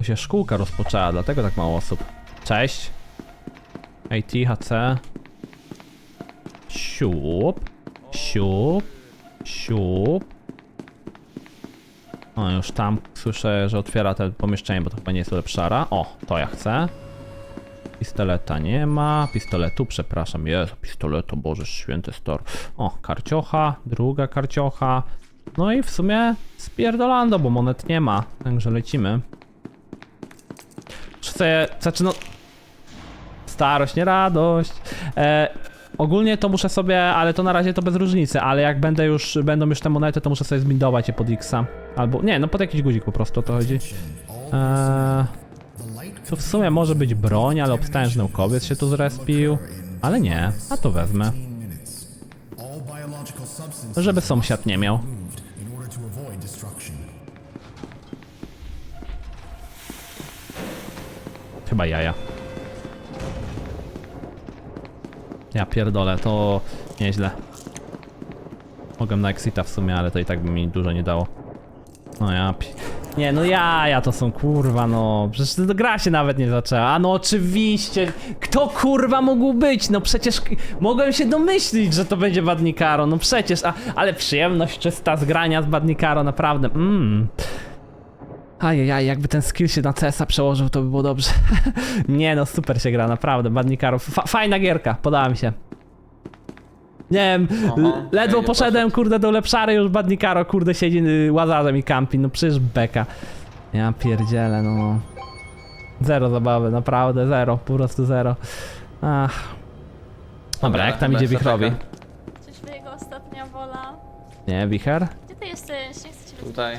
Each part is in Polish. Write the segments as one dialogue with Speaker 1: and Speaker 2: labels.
Speaker 1: Bo się szkółka rozpoczęła, dlatego tak mało osób. Cześć. AT, HC. Siup. Siup. Siup. O, już tam słyszę, że otwiera to pomieszczenie, bo to chyba nie jest ulepszara. O, to ja chcę. Pistoleta nie ma. Pistoletu, przepraszam. Jezu, pistoletu, Boże Święty Stor. O, karciocha, druga karciocha. No i w sumie spierdolando, bo monet nie ma. Także lecimy. Znaczy no... Starość, nie radość. Ogólnie to muszę sobie, ale to na razie to bez różnicy, ale jak będą już te monety, to muszę sobie zbindować je pod X-a. Albo, nie, no pod jakiś guzik po prostu o to chodzi. To w sumie może być broń, ale obstałem, że naukowiec się tu zrespił. Ale nie, a to wezmę. Żeby sąsiad nie miał. Chyba jaja. Ja pierdolę, to nieźle. Mogłem na Exita w sumie, ale to i tak by mi dużo nie dało. No nie, no jaja to są, kurwa, no. Przecież to gra się nawet nie zaczęła. A no oczywiście. Kto kurwa mógł być? No przecież mogłem się domyślić, że to będzie Badnikaro. No przecież, ale przyjemność czysta z grania z Badnikaro, naprawdę. Ajajaj, jakby ten skill się na CS-a przełożył, to by było dobrze. Nie no, super się gra, naprawdę. Badnikaro, fajna gierka, podoba mi się. Nie wiem, ledwo poszedłem, kurde, do lepszary, już Badnikaro, kurde, siedzi łazarzem i kampi, no przecież beka. Ja pierdzielę, no. Zero zabawy, naprawdę, zero, po prostu zero. Ach. Dobra, jak tam idzie Wichrowi?
Speaker 2: Czyżby jego ostatnia wola?
Speaker 1: Nie, Wicher?
Speaker 2: Gdzie ty jesteś? Nie chcę cię
Speaker 3: Tutaj.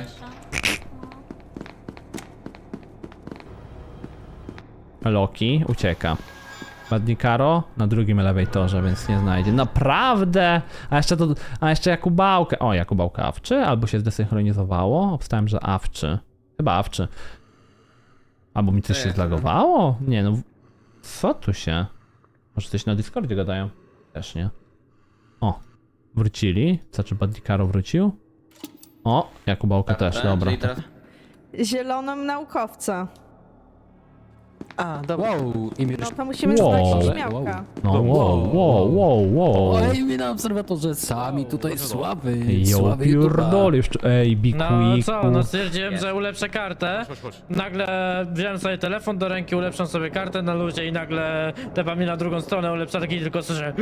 Speaker 1: Loki ucieka. Badnikaro na drugim elevatorze, więc nie znajdzie. Naprawdę! A jeszcze Jakubałkę. O, Jakubałka awczy? Albo się zdesynchronizowało? Obstałem, że awczy. Chyba awczy. Albo mi coś się zlagowało? Nie no. Co tu się? Może coś na Discordzie gadają? Też nie. O. Wrócili. Co, czy Badnikaro wrócił? O, Jakubałka też, dobra.
Speaker 4: Zieloną naukowca.
Speaker 3: A, dobra.
Speaker 5: Wow, imię
Speaker 4: No to musimy
Speaker 1: Wow.
Speaker 4: znaleźć
Speaker 5: Wow.
Speaker 4: śmiałka.
Speaker 1: No, wow.
Speaker 5: Oj, mi na obserwatorze sami tutaj sławy,
Speaker 1: Jo,
Speaker 5: sławy
Speaker 1: pierdol jeszcze. Ej, Big
Speaker 6: No
Speaker 1: Quick.
Speaker 6: co, no stwierdziłem, że ulepszę kartę. Nagle wziąłem sobie telefon do ręki, ulepszam sobie kartę na luzie i nagle tepa mi na drugą stronę ulepszarki i tylko słyszę.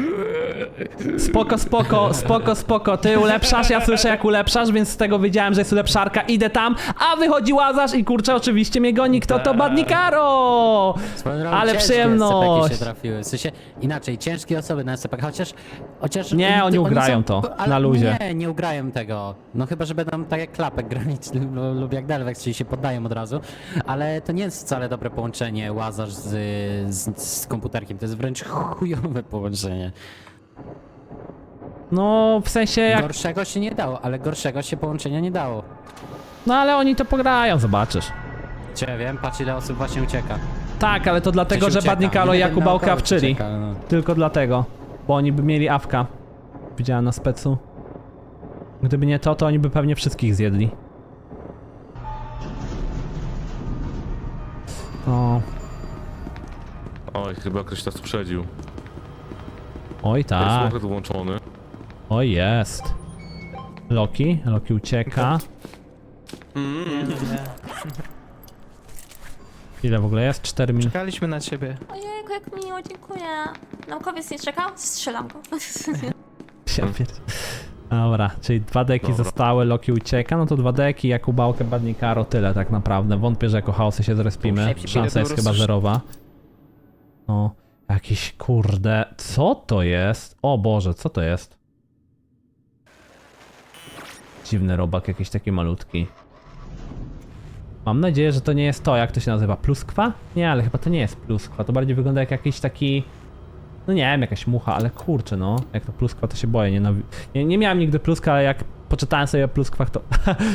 Speaker 1: Spoko. Ty ulepszasz, ja słyszę jak ulepszasz, więc z tego wiedziałem, że jest ulepszarka. Idę tam, a wychodzi łazarz i kurczę, oczywiście mnie goni. Kto to? Badnikaro! Ale przyjemność!
Speaker 5: się trafiły. W sensie inaczej, ciężkie osoby na SCP, chociaż
Speaker 1: Nie, oni ugrają
Speaker 5: są,
Speaker 1: to,
Speaker 5: ale
Speaker 1: na luzie.
Speaker 5: Nie ugrają tego. No chyba, że będą tak jak klapek grać lub jak Delvex, czyli się poddają od razu. Ale to nie jest wcale dobre połączenie łazarz z komputerkiem. To jest wręcz chujowe połączenie.
Speaker 1: No, w sensie jak...
Speaker 5: Gorszego się nie dało, ale gorszego się połączenia nie dało.
Speaker 1: No ale oni to pograją, zobaczysz.
Speaker 5: Cię wiem, patrz ile osób właśnie ucieka.
Speaker 1: Tak, ale to dlatego,
Speaker 5: Coś
Speaker 1: że
Speaker 5: ucieka.
Speaker 1: Badnikaro i
Speaker 5: Jeden
Speaker 1: Jakubałka
Speaker 5: naukowiec
Speaker 1: awczyli.
Speaker 5: ucieka, no.
Speaker 1: Tylko dlatego. Bo oni by mieli awka. Widziałem na specu. Gdyby nie to, to oni by pewnie wszystkich zjedli. O.
Speaker 7: Oj, chyba ktoś nas uprzedził.
Speaker 1: Oj
Speaker 7: Jest
Speaker 1: tak.
Speaker 7: rocket włączony.
Speaker 1: Oj jest. Loki ucieka. Ile w ogóle jest? 4 minuty.
Speaker 6: Czekaliśmy na ciebie.
Speaker 2: Ojejku, jak miło, dziękuję. Naukowiec nie czekał? Strzelam go.
Speaker 1: Dobra, czyli 2 deki
Speaker 7: Dobra.
Speaker 1: zostały, Loki ucieka, no to 2 deki, Jakubałkę, Badnikaro, tyle tak naprawdę. Wątpię, że jako chaosy się zrespimy. Szansa jest chyba zerowa. No, jakiś kurde, co to jest? O Boże, co to jest? Dziwny robak, jakiś taki malutki. Mam nadzieję, że to nie jest to, jak to się nazywa, pluskwa? Nie, ale chyba to nie jest pluskwa, to bardziej wygląda jak jakiś taki... No nie wiem, jakaś mucha, ale kurczę no, jak to pluskwa to się boję, nie miałem nigdy pluska, ale jak poczytałem sobie o pluskwach to...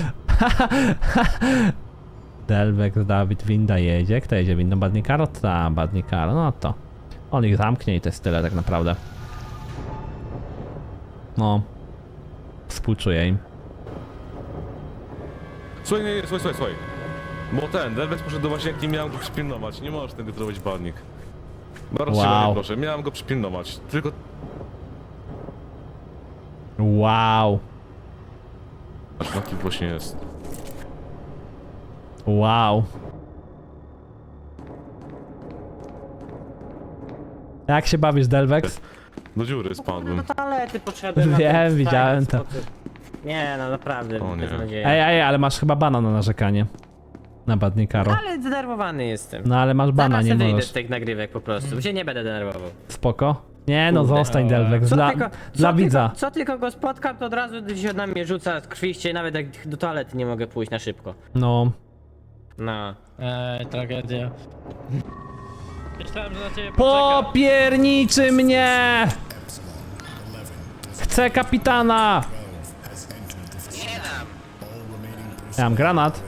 Speaker 1: Delvex, Dawid, winda jedzie, kto jedzie windą? Badnikaro? Ta, Badnikaro, no to. On ich zamknie i to jest tyle tak naprawdę. No. Współczuję im.
Speaker 7: Słuchaj, słuchaj. Bo Delvex poszedł do łazienki, miałem go przypilnować. Nie możesz tego zrobić, Badnik. Bardzo
Speaker 1: Wow.
Speaker 7: cię proszę, miałem go przypilnować. Tylko...
Speaker 1: Wow.
Speaker 7: Aż na kim właśnie jest.
Speaker 1: Wow. Jak się bawisz, Delvex?
Speaker 7: Do dziury spadłem.
Speaker 8: Do toalety poszedłem. na
Speaker 1: Wiem,
Speaker 8: ten
Speaker 1: widziałem
Speaker 8: fajny
Speaker 1: to.
Speaker 8: sposób. Nie, no naprawdę,
Speaker 7: O nie.
Speaker 8: bez nadziei.
Speaker 1: Ej, ale masz chyba bana na narzekanie. Na Badnikaro.
Speaker 8: Ale zdenerwowany jestem.
Speaker 1: No ale masz bana,
Speaker 8: Zaraz
Speaker 1: nie
Speaker 8: wyjdę
Speaker 1: możesz.
Speaker 8: z tych nagrywek po prostu, bo się nie będę denerwował.
Speaker 1: Spoko? Nie no,
Speaker 8: Kurde.
Speaker 1: zostań, Delvex. Dla widza.
Speaker 8: Co tylko go spotkam, to od razu się na mnie rzuca z krwiście, nawet jak do toalety nie mogę pójść na szybko.
Speaker 1: No.
Speaker 8: No.
Speaker 6: Tragedia. Myślałem, że na ciebie poczeka.
Speaker 1: Popierniczy mnie! Chcę kapitana! Ja mam granat.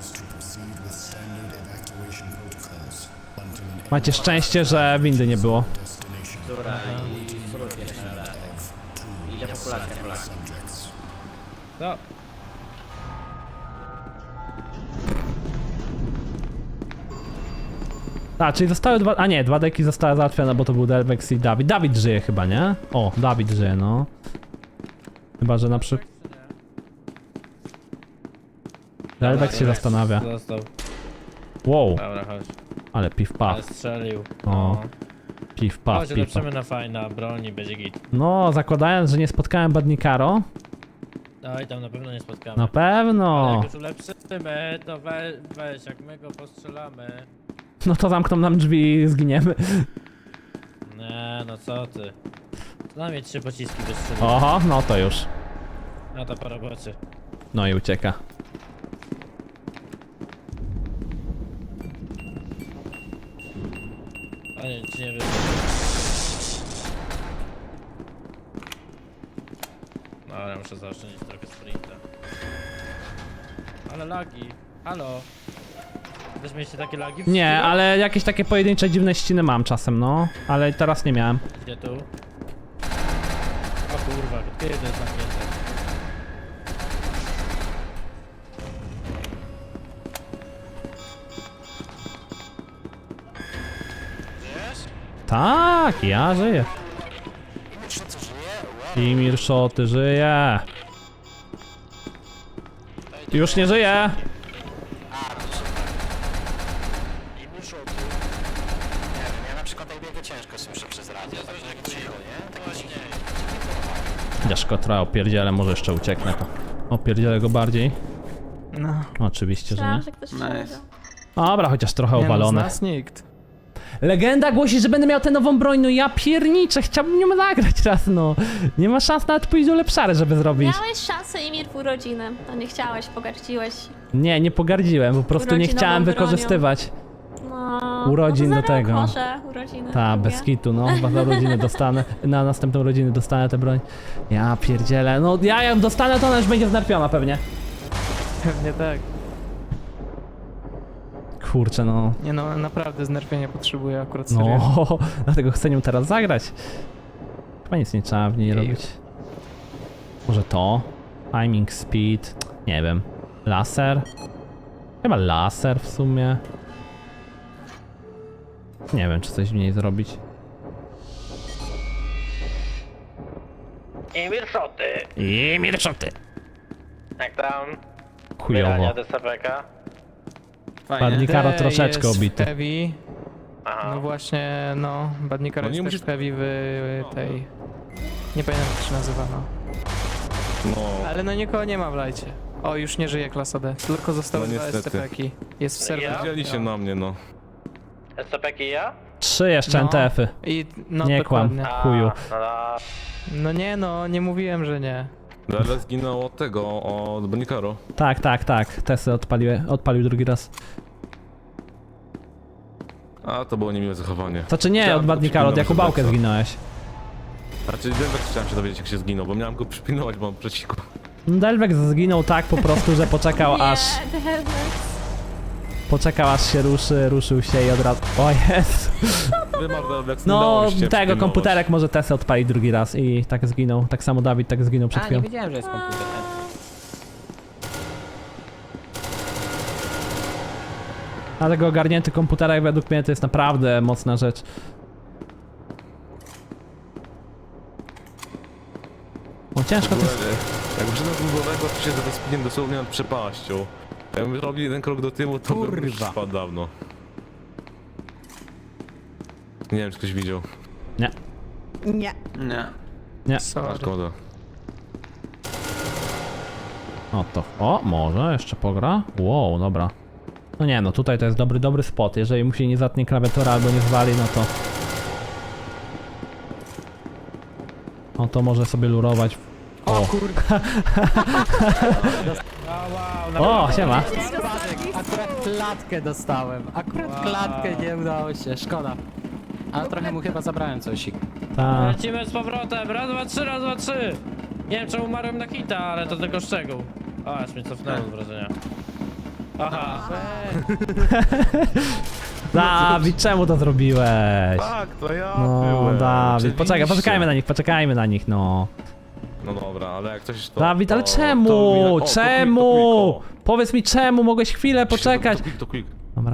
Speaker 1: Macie szczęście, że windy nie było.
Speaker 8: Dobra, i smród jeszcze. Idzie populacja Polaka.
Speaker 6: No.
Speaker 1: A, czyli zostały dwa... A nie, dwa deki zostały załatwione, bo to był Delvex i Dawid. Dawid żyje chyba, nie? O, Dawid żyje, no. Chyba, że na przykład... Delvex się zastanawia.
Speaker 6: Został.
Speaker 1: Wow,
Speaker 6: Dobra, chodź.
Speaker 1: ale piw
Speaker 6: Ale
Speaker 1: paf,
Speaker 6: strzelił.
Speaker 1: O. piw paf,
Speaker 6: Chodź,
Speaker 1: piw paf.
Speaker 6: ulepszymy na fajna broń i będzie git.
Speaker 1: No, zakładając, że nie spotkałem Badnikaro,
Speaker 6: No i tam na pewno nie spotkamy.
Speaker 1: na
Speaker 6: Ale
Speaker 1: pewno.
Speaker 6: jak już ulepszymy, to weź, jak my go postrzelamy.
Speaker 1: No to zamkną nam drzwi i zginiemy.
Speaker 6: Nie, no co ty. Co najmniej 3 pociski wystrzelił.
Speaker 1: Oho, no to już.
Speaker 6: No to po robocie.
Speaker 1: No i ucieka.
Speaker 6: A nie, ci nie wyszło. No ale muszę zaoszczędzić trochę sprinta. Ale lagi. Halo. Też mieliście takie lagi?
Speaker 1: Nie, ale jakieś takie pojedyncze dziwne ściny mam czasem, no. Ale teraz nie miałem.
Speaker 6: Gdzie tu? O kurwa, kiedy jest zamknięte?
Speaker 1: Tak, ja żyję. Imir Szoty żyje. Już nie żyje. Ciężko trochę opierdzielę, może jeszcze ucieknę. Opierdzielę go bardziej.
Speaker 3: No,
Speaker 1: Oczywiście, że nie.
Speaker 2: Myślałam, że ktoś
Speaker 3: Nice.
Speaker 2: nice.
Speaker 1: Dobra, chociaż trochę
Speaker 3: nie no, z
Speaker 1: owalone.
Speaker 3: nas nikt.
Speaker 1: Legenda głosi, że będę miał tę nową broń, no ja pierniczę, chciałbym nią nagrać raz, no. Nie ma szans nawet pójść do lepszary, żeby zrobić.
Speaker 2: Miałeś szansę Imir w urodziny. No nie chciałeś, pogardziłeś.
Speaker 1: Nie, nie pogardziłem, po prostu nie
Speaker 2: Urodzinową
Speaker 1: chciałem
Speaker 2: bronią.
Speaker 1: wykorzystywać.
Speaker 2: No,
Speaker 1: Urodzin
Speaker 2: no
Speaker 1: do
Speaker 2: to za rok
Speaker 1: tego.
Speaker 2: może urodziny.
Speaker 1: Ta,
Speaker 2: drugie.
Speaker 1: bez kitu, no, chyba za urodziny dostanę, na następną rodzinę dostanę tę broń. Ja pierdzielę, no ja ją dostanę, to ona już będzie znarpiona pewnie.
Speaker 3: Pewnie tak.
Speaker 1: Kurczę, no,
Speaker 3: Nie no, naprawdę znerwienia potrzebuję akurat serio.
Speaker 1: no, dlatego chcę nią teraz zagrać. Chyba nic nie trzeba w niej robić. Może to? Timing, speed, nie wiem. Laser? Chyba laser w sumie. Nie wiem, czy coś w niej zrobić.
Speaker 8: Emir Szoty!
Speaker 1: I szoty.
Speaker 8: Jak tam?
Speaker 1: Chujowo.
Speaker 8: DSPK?
Speaker 1: Badnikaro
Speaker 3: Day
Speaker 1: troszeczkę
Speaker 3: jest
Speaker 1: obity.
Speaker 3: Heavy.
Speaker 8: Aha.
Speaker 3: No właśnie, no, Badnikaro
Speaker 7: No nie
Speaker 3: jest
Speaker 7: musisz-
Speaker 3: też heavy w tej... Nie pamiętam jak to się nazywa, no.
Speaker 7: No,
Speaker 3: Ale no nikogo nie ma w lajcie. O, już nie żyje klasa D. Tylko zostały
Speaker 7: No
Speaker 3: dwa
Speaker 7: niestety.
Speaker 3: STP-ki. Jest w serwerze.
Speaker 7: widzieli się na mnie, no.
Speaker 8: SCP-ki ja?
Speaker 1: 3 jeszcze
Speaker 3: No.
Speaker 1: NTF-y.
Speaker 3: I no
Speaker 1: Nie kłam,
Speaker 3: dokładnie.
Speaker 1: chuju.
Speaker 3: No nie no, nie mówiłem, że nie.
Speaker 7: Delvex zginął od tego, od Badnikaro.
Speaker 1: Tak, tak, tak. Tesy odpalił drugi raz.
Speaker 7: A, to było niemiłe zachowanie.
Speaker 1: Znaczy nie,
Speaker 7: Chciałem
Speaker 1: od
Speaker 7: go
Speaker 1: Badnikaro, od
Speaker 7: przypilnować
Speaker 1: Jakubałkę
Speaker 7: Delvexa.
Speaker 1: zginąłeś.
Speaker 7: Znaczy Delvex chciałem się dowiedzieć, jak się zginął, bo miałem go przypilnować, bo mam przeciwko.
Speaker 1: Delvex zginął tak po prostu, że poczekał
Speaker 2: Nie,
Speaker 1: aż...
Speaker 2: Delvex.
Speaker 1: Poczekał aż się ruszył się i od razu... O jest!
Speaker 7: Wymarł Delvex, nie
Speaker 1: No,
Speaker 7: dało mi się
Speaker 1: tego
Speaker 7: przypilnować.
Speaker 1: komputerek może Tesy odpalić drugi raz i tak zginął. Tak samo Dawid tak zginął przed
Speaker 8: A, nie
Speaker 1: chwilą.
Speaker 8: wiedziałem, że jest komputer.
Speaker 1: Dlatego ogarnięty komputerek według mnie to jest naprawdę mocna rzecz. O, ciężko to jest.
Speaker 7: Jak wyszedłem z głowego, to się zarespiłem dosłownie nad przepaścią. Jakbym robił jeden krok do tyłu, to bym już
Speaker 5: Kurwa.
Speaker 7: spadł dawno. Nie wiem, czy ktoś widział.
Speaker 1: Nie,
Speaker 4: Nie.
Speaker 3: Nie.
Speaker 1: nie.
Speaker 7: A,
Speaker 3: Sorry.
Speaker 7: szkoda.
Speaker 1: O to. O, może jeszcze pogra? Wow, dobra. No nie, no tutaj to jest dobry spot. Jeżeli mu się nie zatnie klawiatura albo nie zwali, no to... No to może sobie lurować. O, o, siema.
Speaker 5: Akurat klatkę dostałem. Akurat klatkę nie udało się, szkoda. Ale trochę mu chyba zabrałem coś.
Speaker 1: Ta.
Speaker 6: Lecimy z powrotem, raz, dwa, trzy, raz, dwa, trzy. Nie wiem, czemu umarłem na hita, ale to tylko szczegół. O, aż mnie cofnęło z wrażenia. Aha.
Speaker 1: Dawid, czemu to zrobiłeś?
Speaker 7: Tak, to ja
Speaker 1: No,
Speaker 7: byłem.
Speaker 1: Dawid,
Speaker 7: Oczywiście.
Speaker 1: poczekajmy na nich, no.
Speaker 7: No dobra, ale jak coś to...
Speaker 1: Dawid, ale
Speaker 7: to-
Speaker 1: czemu?
Speaker 7: to wina- o, to
Speaker 1: Czemu?
Speaker 7: quick,
Speaker 1: Powiedz mi czemu, mogłeś chwilę poczekać.
Speaker 7: To quick.
Speaker 1: Dobra.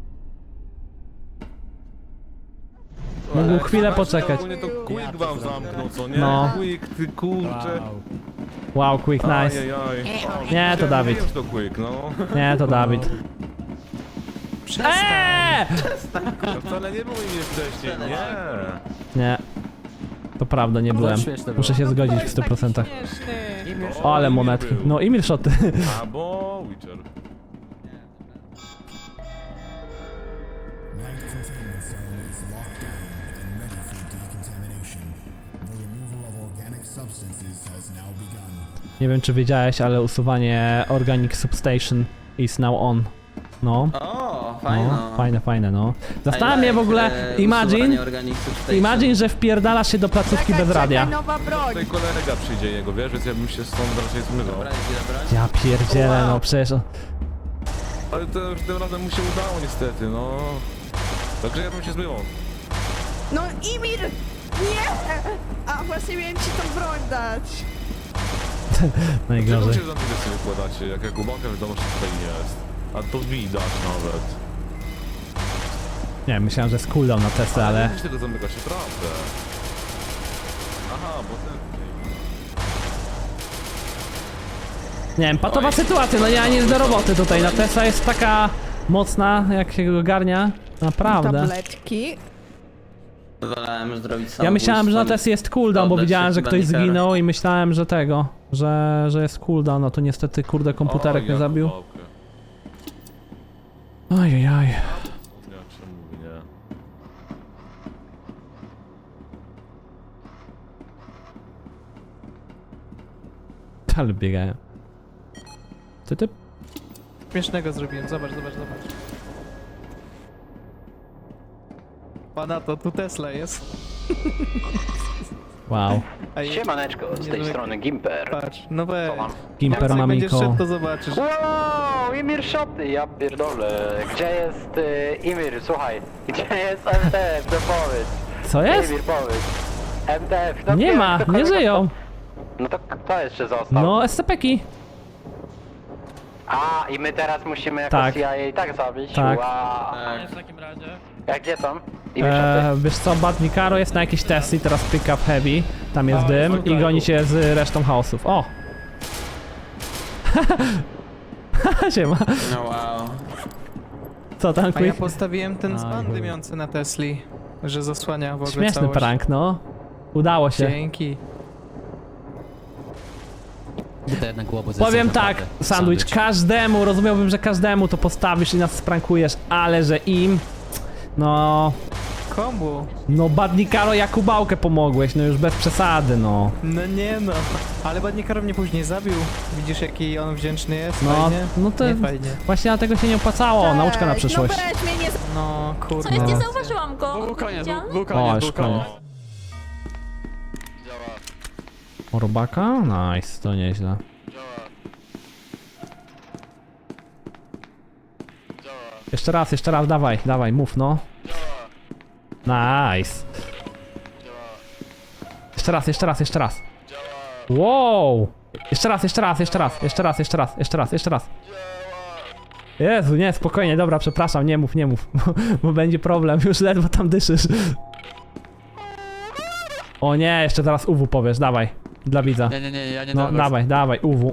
Speaker 1: Mógł chwilę poczekać.
Speaker 7: Ogólnie to quick wam zamknął, co nie?
Speaker 1: No.
Speaker 7: Quick, ty kurcze.
Speaker 1: Wow, quick, nice.
Speaker 7: Ajajaj.
Speaker 1: Nie, to Dawid.
Speaker 7: Nie wiem, czy to quick, no.
Speaker 1: Nie, to Dawid. Eee!
Speaker 7: To wcale nie było imię wcześniej, nie.
Speaker 1: Nie. To prawda, nie byłem.
Speaker 5: śmieszne
Speaker 1: Muszę się zgodzić w 100%. O, ale monetki. No i shoty.
Speaker 7: Albo Witcher.
Speaker 9: Night containment zone is locked down and ready for decontamination. The removal of organic substances has now begun.
Speaker 1: Nie wiem, czy wiedziałeś, ale usuwanie Organic Substation is now on. No.
Speaker 3: O, fajno.
Speaker 1: No, fajne, no. Zastanawiam mnie w ogóle, imagine, że wpierdalasz się do placówki bez radia.
Speaker 4: Nowa broń.
Speaker 7: Tutaj kolega przyjdzie jego, wiesz, więc ja bym się stąd raczej zmywał.
Speaker 1: Ja pierdzielę, no przecież...
Speaker 7: Ale to już tym razem mu się udało niestety, no. Także ja bym się zmywał.
Speaker 4: No Imir! Nie! A właśnie miałem ci tą broń dać.
Speaker 7: Czemu
Speaker 1: Najgorzej.
Speaker 7: się zamknięcie sobie wykładacie? Jak głęboka wiadomość, że tutaj jest. A to widać nawet.
Speaker 1: Nie, myślałem, że jest cooldown na Tesla, ale...
Speaker 7: Nie tego zamyka się, prawda. Aha, bo ten...
Speaker 1: Nie wiem, patowa sytuacja, no ja nic do roboty tutaj. Na Tesla jest taka mocna, jak się go ogarnia. Naprawdę.
Speaker 4: Tabletki.
Speaker 3: Wolałem zrobić
Speaker 1: Ja myślałem, że na Tesla jest cooldown, bo
Speaker 3: Oddać
Speaker 1: widziałem,
Speaker 3: się
Speaker 1: że ktoś
Speaker 3: Bandikara.
Speaker 1: zginął i myślałem, że tego, że jest cooldown, no to niestety kurde komputerek mnie zabił. Ojej.
Speaker 7: Nie, czemu nie?
Speaker 1: Ale biegają. Ty?
Speaker 3: Śmiesznego zrobiłem, zobacz. Pana to tu Tesla jest.
Speaker 1: Wow.
Speaker 10: Siemaneczko, z tej strony Gimper.
Speaker 3: Patrz, no weź.
Speaker 1: Gimper
Speaker 3: Jak będziesz
Speaker 1: Mamiko.
Speaker 3: szedł, to zobaczysz.
Speaker 10: Wow, Imir Shoty, ja pierdolę. Gdzie jest Imir, słuchaj. Gdzie jest MTF, to powiedz.
Speaker 1: Co jest?
Speaker 10: Imir, powiedz. MTF, no
Speaker 1: Nie ma, nie żyją.
Speaker 10: No to kto jeszcze został?
Speaker 1: No, SCP-ki.
Speaker 10: A, i my teraz musimy jako
Speaker 1: Tak.
Speaker 10: CIA i tak zabić?
Speaker 1: Tak.
Speaker 10: Wow.
Speaker 6: W takim razie.
Speaker 10: Jak gdzie są? Imir Shoty.
Speaker 1: Wiesz co, Badnikaro jest na jakiejś Tesli, teraz pick up heavy. Tam jest dym i goni się z resztą chaosów. O! Siema.
Speaker 3: No wow.
Speaker 1: Co tam,
Speaker 3: A ja
Speaker 1: Quick?
Speaker 3: postawiłem ten
Speaker 1: Aj,
Speaker 3: dzban
Speaker 1: chuj.
Speaker 3: dymiący na Tesli, że zasłania w ogóle
Speaker 1: Śmieszny
Speaker 3: całość.
Speaker 1: prank, no. Udało się.
Speaker 3: Dzięki.
Speaker 5: To jednak było pozycja,
Speaker 1: Powiem tak,
Speaker 5: naprawdę.
Speaker 1: Sandwich, każdemu, rozumiałbym, że każdemu to postawisz i nas sprankujesz, ale że im... No...
Speaker 3: Komu?
Speaker 1: No Badnikaro Jakubałkę pomogłeś, no już bez przesady, no.
Speaker 3: No nie no. Ale Badnikaro mnie później zabił. Widzisz jaki on wdzięczny jest?
Speaker 1: No,
Speaker 3: Fajnie?
Speaker 1: no to
Speaker 3: Nie fajnie.
Speaker 1: właśnie dlatego się nie opłacało, nauczka na
Speaker 4: Cześć,
Speaker 1: przyszłość.
Speaker 4: No weź mnie nie...
Speaker 3: No
Speaker 2: Co
Speaker 3: kurde.
Speaker 2: jest, nie
Speaker 1: No.
Speaker 2: zauważyłam go. Odpowiedzialny?
Speaker 1: O, już koniec. O, robaka? Nice, to nieźle. Jeszcze raz, dawaj, mów no. Nice. Jeszcze raz. Wow! Jeszcze raz. Jezu, nie, spokojnie, dobra, przepraszam, nie mów, bo będzie problem, już ledwo tam dyszysz. O nie, jeszcze zaraz UW powiesz, dawaj, dla widza.
Speaker 10: Nie, ja nie
Speaker 1: No dawaj, UW.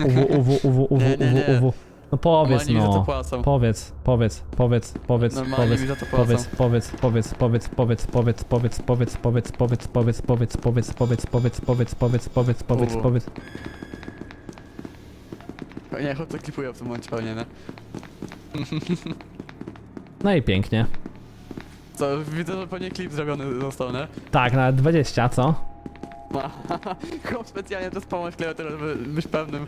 Speaker 1: No powiedz,
Speaker 10: Normalnie mi za to
Speaker 1: no.
Speaker 10: płacą.
Speaker 1: Powiedz.
Speaker 10: Normalnie mi za to płacą.
Speaker 1: Powiedz.
Speaker 10: Nie, chłop to klipuje w tym momencie pewnie, nie?
Speaker 1: No i pięknie.
Speaker 10: Co, widzę, że pewnie klip zrobiony został, nie?
Speaker 1: Tak, nawet 20, co?
Speaker 10: Chłop specjalnie to spamał wkleja teraz, żeby być pewnym.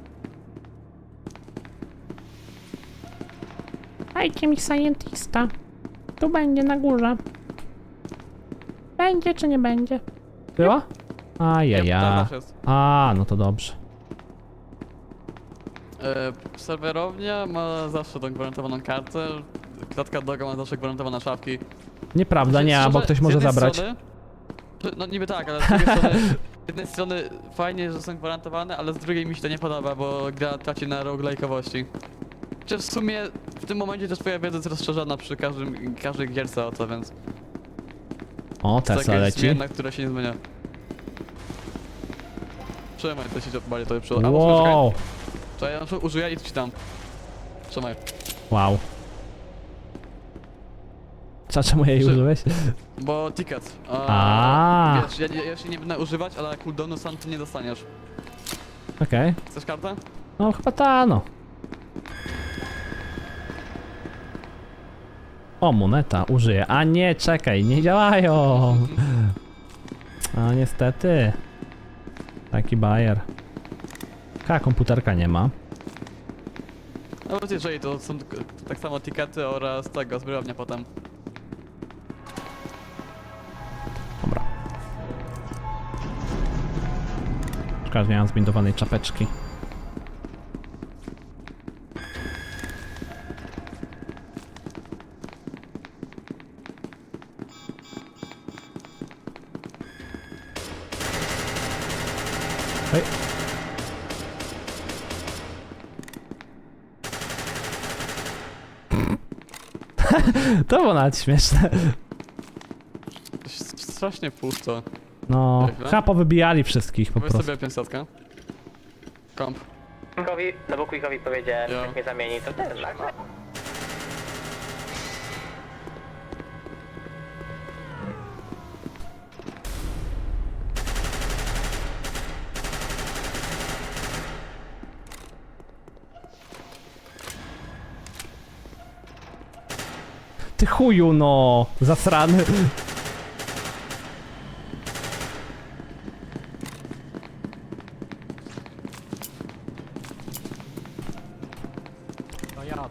Speaker 1: Dajcie mi scientista. Tu będzie na górze. Będzie czy nie będzie? Była?
Speaker 10: Nie,
Speaker 1: Ajaja.
Speaker 10: tam jest.
Speaker 1: A, no to dobrze.
Speaker 10: Serwerownia ma zawsze tą gwarantowaną kartę. Klatka droga ma zawsze gwarantowane szafki.
Speaker 1: Nieprawda, nie, bo
Speaker 10: Szczerze,
Speaker 1: ktoś
Speaker 10: z
Speaker 1: może
Speaker 10: jednej
Speaker 1: zabrać.
Speaker 10: strony- no niby tak, ale z drugiej strony, z jednej strony fajnie, że są gwarantowane, ale z drugiej mi się to nie podoba, bo gra traci na roguelike'owości. Czy w sumie w tym momencie też twoja wiedza jest rozszerzona przy każdej gierce o to, więc...
Speaker 1: O,
Speaker 10: To
Speaker 1: Tesla
Speaker 10: jakaś
Speaker 1: leci.
Speaker 10: zmienna, która się nie zmienia. Trzymaj, to się bardziej to przyda. A może
Speaker 1: Wow.
Speaker 10: czekaj, ja użyję i ci tam. Trzymaj.
Speaker 1: Wow. Czemu jej
Speaker 10: Czy-
Speaker 1: użyłeś?
Speaker 10: Bo ticket.
Speaker 1: A.
Speaker 10: Wiesz, ja się nie będę używać, ale cooldownu sam ty nie dostaniesz.
Speaker 1: Okej.
Speaker 10: Chcesz kartę?
Speaker 1: No chyba ta, no. O, moneta, użyję. A nie, czekaj, nie działają. A niestety. Taki bajer. Komputerka nie ma.
Speaker 10: Nawet jeżeli to są tak samo tikety oraz tego, zbrojownia potem.
Speaker 1: Dobra. Szkoda, że nie mam zbindowanej czapeczki. Hej. To było nawet śmieszne.
Speaker 10: Strasznie pusto.
Speaker 1: No,
Speaker 10: Nieźle.
Speaker 1: chyba powybijali wszystkich po
Speaker 10: Weź
Speaker 1: prostu.
Speaker 10: sobie 500. Komp.
Speaker 8: No bo Quickowi powiedziałem,
Speaker 10: Ja.
Speaker 8: jak mnie zamieni, to też.
Speaker 1: Ty chuju, no! Zasrany.
Speaker 5: To ja.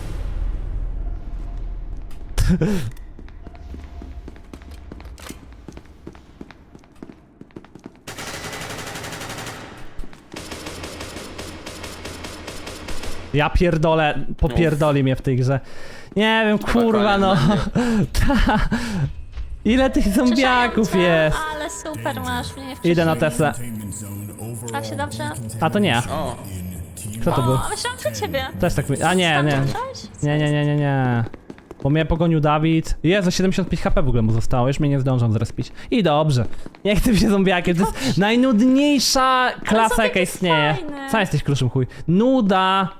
Speaker 1: Ja pierdolę, popierdoli mnie w tej grze. Nie wiem, kurwa, no. Ta. Ile tych zombiaków
Speaker 2: Przeszedłem cię,
Speaker 1: jest?
Speaker 2: Ale super masz mnie
Speaker 1: Idę na
Speaker 2: wcześniej.
Speaker 1: Teslę.
Speaker 9: Entertainment zone overall
Speaker 2: Baw się dobrze?
Speaker 1: A to nie.
Speaker 10: O,
Speaker 9: in team
Speaker 1: Kto to był?
Speaker 2: O, myślałam, że ciebie.
Speaker 1: Też tak mi... A nie. Nie. Bo mnie pogonił Dawid. Jezu, 75 HP w ogóle mu zostało, już mnie nie zdążą zrespić. I dobrze. Nie chcę się zombiakiem, to jest najnudniejsza klasa
Speaker 2: zombie
Speaker 1: jaka
Speaker 2: jest
Speaker 1: istnieje.
Speaker 2: fajny.
Speaker 1: Sam jesteś kruszym chuj. Nuda.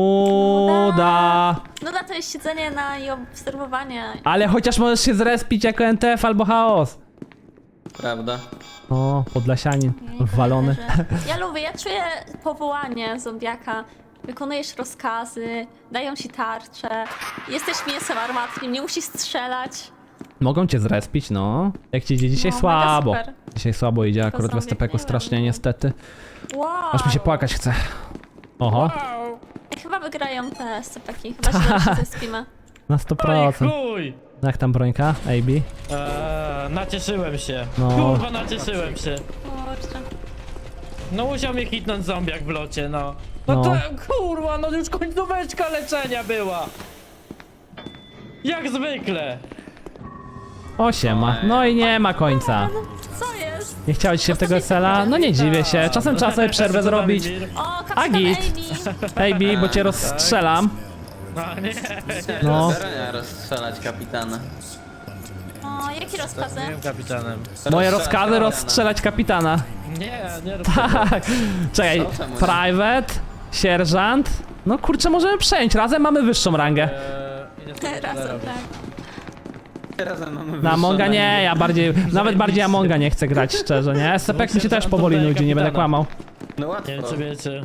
Speaker 2: Nuda to jest siedzenie i obserwowanie.
Speaker 1: Ale chociaż możesz się zrespić jako NTF albo chaos.
Speaker 8: Prawda.
Speaker 1: O, podlasianin. Walony.
Speaker 2: Ja lubię, ja czuję powołanie zombiaka. Wykonujesz rozkazy, dają ci tarczę, jesteś mięsem armatnim, nie musisz strzelać.
Speaker 1: Mogą cię zrespić, no. Jak ci idzie dzisiaj
Speaker 2: No,
Speaker 1: słabo.
Speaker 2: mega super.
Speaker 1: Dzisiaj słabo idzie akurat w
Speaker 2: zombiak
Speaker 1: STP-ku
Speaker 2: nie
Speaker 1: strasznie
Speaker 2: wiem.
Speaker 1: niestety.
Speaker 2: Wow.
Speaker 1: Aż mi się płakać chce. Oho,
Speaker 2: Chyba wygrają te SCP-ki, chyba się zaraz zespimy.
Speaker 1: na
Speaker 6: Oj
Speaker 1: 100%.
Speaker 6: chuj!
Speaker 1: Jak tam brońka, AB?
Speaker 6: Nacieszyłem się.
Speaker 1: No.
Speaker 6: Kurwa, nacieszyłem się.
Speaker 2: Kurczę.
Speaker 6: No musiał mnie hitnąć zombiak w locie, no. No,
Speaker 1: No.
Speaker 6: to kurwa, no już końcóweczka leczenia była. Jak zwykle.
Speaker 1: O siema. No i nie ma końca.
Speaker 2: Co jest?
Speaker 1: Nie chciałeś się w tego SL-a? No nie dziwię się. Czasem trzeba sobie przerwę zrobić.
Speaker 2: O, kapitan
Speaker 1: Agi.
Speaker 2: Amy.
Speaker 1: AB, bo cię rozstrzelam.
Speaker 6: No nie.
Speaker 1: No,
Speaker 8: rozstrzelać kapitana.
Speaker 2: O, jakie rozkazy?
Speaker 6: Byłem kapitanem.
Speaker 1: moje rozkazy rozstrzelać kapitana.
Speaker 6: Nie
Speaker 1: Tak. Czekaj, private, sierżant. No kurczę, możemy przejąć, razem mamy wyższą rangę.
Speaker 2: Razem, tak.
Speaker 1: Na Amonga nie, ja bardziej, nawet bardziej Amonga nie chcę grać, szczerze, nie? SCP mi się też powoli nudzi, nie będę kłamał.
Speaker 6: Nie wiem czy wiecie.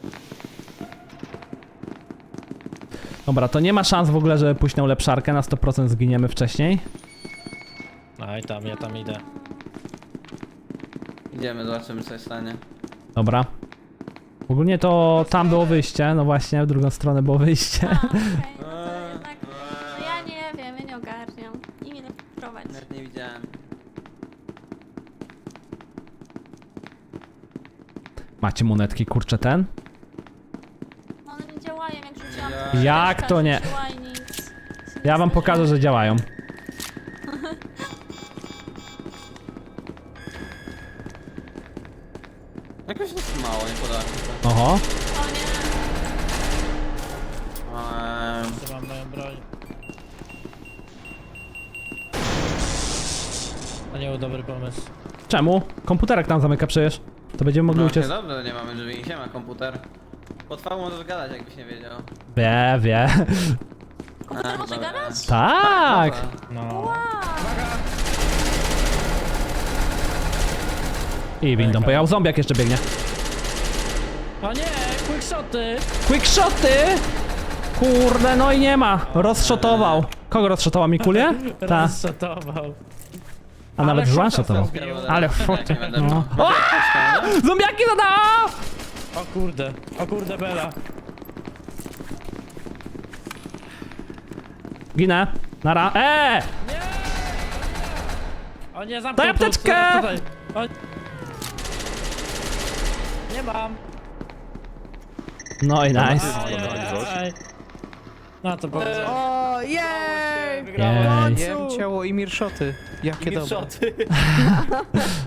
Speaker 1: Dobra, to nie ma szans w ogóle, żeby pójść na ulepszarkę, na 100% zginiemy wcześniej.
Speaker 6: No i tam, ja tam idę.
Speaker 8: Idziemy, zobaczymy co się stanie.
Speaker 1: Dobra. Ogólnie to tam było wyjście, no właśnie, w drugą stronę było wyjście.
Speaker 2: A, okej, no to jednak... No ja nie wiem, ja nie ogarniam. I mnie prowadź.
Speaker 8: Nie widziałem.
Speaker 1: Macie monetki, kurczę, ten?
Speaker 2: No one nie działają, jak rzuciłam.
Speaker 1: Jak to nie?
Speaker 2: Rzuciła i nic.
Speaker 1: Ja wam pokażę, że działają.
Speaker 8: Jakoś nas mało, nie podoba mi się
Speaker 1: Oho.
Speaker 2: O nie.
Speaker 8: to.
Speaker 6: Trzymam moją broń. To nie był dobry pomysł.
Speaker 1: Czemu? Komputerek tam zamyka przecież. To będziemy mogli uciec.
Speaker 8: Dobrze, nie mamy drzwi, nie ma komputer. Pod możesz gadać, jakbyś nie wiedział.
Speaker 1: Wie.
Speaker 2: Komputer może gadać?
Speaker 1: Tak!
Speaker 6: No.
Speaker 1: I windą pojechał, zombiak jeszcze biegnie.
Speaker 6: O nie, quickshoty!
Speaker 1: Quickshoty! Kurde, no i nie ma. Rozshotował. Kogo rozshotował? Mikulię? Ta.
Speaker 6: Rozshotował.
Speaker 1: A nawet
Speaker 6: Ale
Speaker 1: one-shotował.
Speaker 6: shota zrobił.
Speaker 1: Ale foty. No. O! Zombiaki zadała!
Speaker 6: O kurde Bela.
Speaker 1: Ginę. Nara.
Speaker 6: O nie, zamknij
Speaker 1: Daj
Speaker 6: tu,
Speaker 1: apteczkę!
Speaker 6: tutaj. O... Nie mam.
Speaker 1: No i nice.
Speaker 6: Ej. No to powiedzmy.
Speaker 4: O, jej!
Speaker 1: Jej.
Speaker 3: Jem ciało i mirszoty. Jakie dobre.